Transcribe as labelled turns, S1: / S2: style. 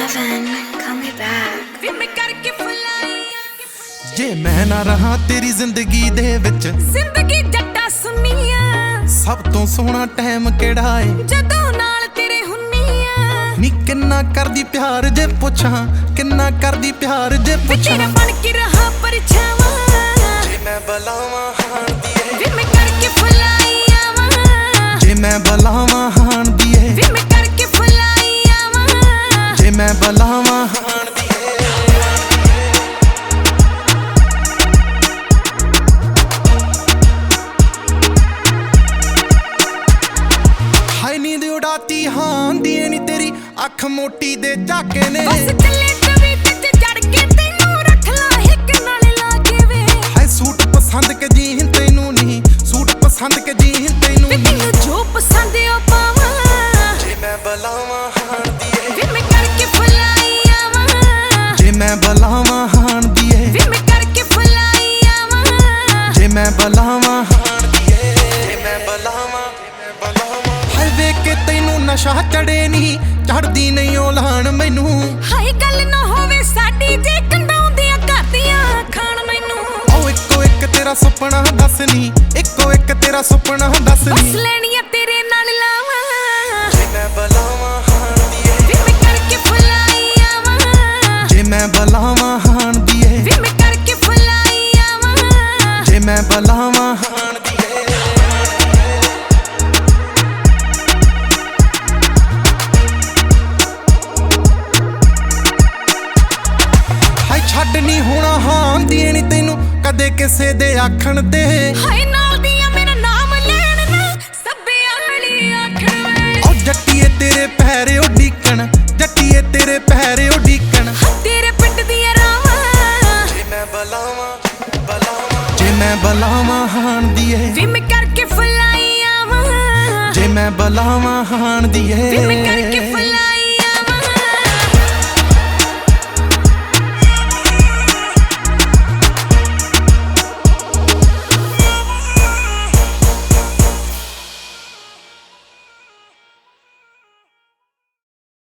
S1: Kevin, call me back.
S2: ਜੇ ਮੈਂ ਨਾ ਰਹਾ ਤੇਰੀ ਜ਼ਿੰਦਗੀ ਦੇ ਵਿੱਚ,
S3: ਜ਼ਿੰਦਗੀ ਜੱਟਾ ਸੁਨੀਆਂ
S2: ਸਭ ਤੋਂ ਸੋਹਣਾ ਟਾਈਮ ਕਿਹੜਾ ਏ
S3: ਜਦੋਂ ਨਾਲ ਤੇਰੇ ਹੁੰਨੀਆਂ।
S2: ਨੀ ਕਿੰਨਾ ਕਰਦੀ ਪਿਆਰ ਜੇ ਪੁੱਛਾਂ, ਕਿੰਨਾ ਕਰਦੀ ਪਿਆਰ ਜੇ ਪੁੱਛਾਂ।
S3: ਤੇਰਾ ਬਣ ਕੇ ਰਹਾ ਪਰਛਾਵਾਂ
S2: ਜੇ ਮੈਂ ਬੁਲਾਵਾਂ ਹਾਣ ਦੀ ਏ,
S3: ਵੇ ਮੈਂ ਕਰਕੇ ਫੁਲਾਈ ਆਵਾਂ।
S2: ਜੇ ਮੈਂ ਬੁਲਾਵਾਂ ਹਾਣ ਦੀ ਏ,
S3: ਵੇ ਮੈਂ ਕਰਕੇ ਫੁਲਾਈ ਆਵਾਂ।
S2: ਜੇ ਮੈਂ ਬੁਲਾਵਾਂ ਹਾਣ ਦੀ ਏ। ਹਾਈ ਨੀਂਦ ਉਡਾਤੀ ਹਾਣ ਦੀ ਏ ਨੀ ਤੇਰੀ ਅੱਖ ਮੋਟੀ ਦੇ ਝਾਕੇ ਨੇ।
S3: ਬਸ ਚੱਲੇ ਤਵੀਤ ਚ ਜੜ ਕੇ ਤੈਨੂੰ ਰੱਖ ਲਾ ਹਿੱਕ ਨਾਲ ਲਾ ਕੇ ਵੇ।
S2: ਹਾਏ ਸੂਟ ਪਸੰਦ ਕੇ ਜੀਨ ਤੈਨੂੰ ਨਹੀਂ, ਸੂਟ ਪਸੰਦ ਕੇ ਜੀਨ ਤੈਨੂੰ
S3: ਵੇ
S2: ਨਹੀਂ।
S3: ਤੈਨੂੰ ਜੋ ਪਸੰਦ ਆ ਪਾਵਾਂ।
S2: ਜੇ ਮੈਂ ਬੁਲਾਵਾਂ ਹਾਣ ਦੀ ਏ,
S3: ਵੇ ਮੈਂ ਕਰਕੇ ਫੁਲਾਈ ਆਵਾਂ।
S2: ਜੇ ਮੈਂ ਬੁਲਾਵਾਂ ਹਾਣ ਦੀ ਏ,
S3: ਵੇ ਮੈਂ ਕਰਕੇ ਫੁਲਾਈ ਆਵਾਂ।
S2: ਜੇ ਮੈਂ ਬੁਲਾਵਾਂ ਹਾਣ ਦੀ ਏ, ਜੇ ਮੈਂ ਬੁਲਾਵਾਂ ਹਾਏ ਵੇਖ ਕੇ ਤੈਨੂੰ ਨਸ਼ਾ ਚੜੇ ਨਹੀਂ, ਚੜਦੀ ਨਹੀਂ ਉਹ ਲਾਣ ਮੈਨੂੰ।
S3: ਹਾਏ ਗੱਲ ਨਾ ਹੋਵੇ ਸਾਡੀ ਜੇ ਕੰਡਾਉਂਦੀਆਂ ਕਰਦੀਆਂ ਖਾਣ ਮੈਨੂੰ।
S2: ਉਹ ਇੱਕੋ ਇੱਕ ਤੇਰਾ ਸੁਪਨਾ ਦੱਸ ਨੀ, ਇੱਕੋ ਇੱਕ ਤੇਰਾ ਸੁਪਨਾ ਦੱਸ
S3: ਬਸ
S2: ਨੀ।
S3: ਲੈਣੀਆਂ ਤੇਰੇ ਨਾਲ ਲਾਵਾਂ।
S2: ਜੇ ਮੈਂ ਬੁਲਾਵਾਂ ਹਾਣ ਦੀ ਏ,
S3: ਵੇ ਮੈਂ ਕਰਕੇ ਫੁਲਾਈ ਆਵਾਂ।
S2: ਜੇ ਮੈਂ ਬੁਲਾਵਾਂ ਹਾਣ ਦੀ ਏ,
S3: ਵੇ ਮੈਂ ਕਰਕੇ ਫੁਲਾਈ ਆਵਾਂ।
S2: ਜੇ ਮੈਂ ਬੁਲਾਵਾਂ ਹਾਣ ਦੀ ਏ। ਹਾਏ ਛੱਡ ਨੀ ਹੋਣਾ ਹਾਣ ਦੀ ਏ ਨੀ ਤੈਨੂੰ ਕਦੇ ਕਿਸੇ ਦੇ ਆਖਣ ਤੇ।
S3: ਹਾਏ ਨਾਲ ਦੀਆਂ ਮੇਰਾ ਨਾਮ ਲੈਣ ਨਾ ਸੱਬੇ ਆਲੀ ਆਖਣ ਵੇ।
S2: ਉਹ ਜੱਟੀਏ ਤੇਰੇ ਪੈਰ ਉਡੀਕਣ, ਜੱਟੀਏ ਤੇਰੇ ਪੈਰ ਉਡੀਕਣ।
S3: ਤੇਰੇ ਪਿੰਡ ਦੀਆਂ ਰਾਵਾਂ
S2: ਜੇ ਮੈਂ ਬੁਲਾਵਾਂ ਜੇ ਮੈਂ ਬੁਲਾਵਾਂ ਹਾਣ ਦੀ ਏ,
S3: ਵੇ ਮੈਂ ਕਰਕੇ ਫੁਲਾਈ ਆਵਾਂ।
S2: ਜੇ ਮੈਂ ਬੁਲਾਵਾਂ ਹਾਣ ਦੀ
S3: ਵੇ ਮੈਂ ਕਰਕੇ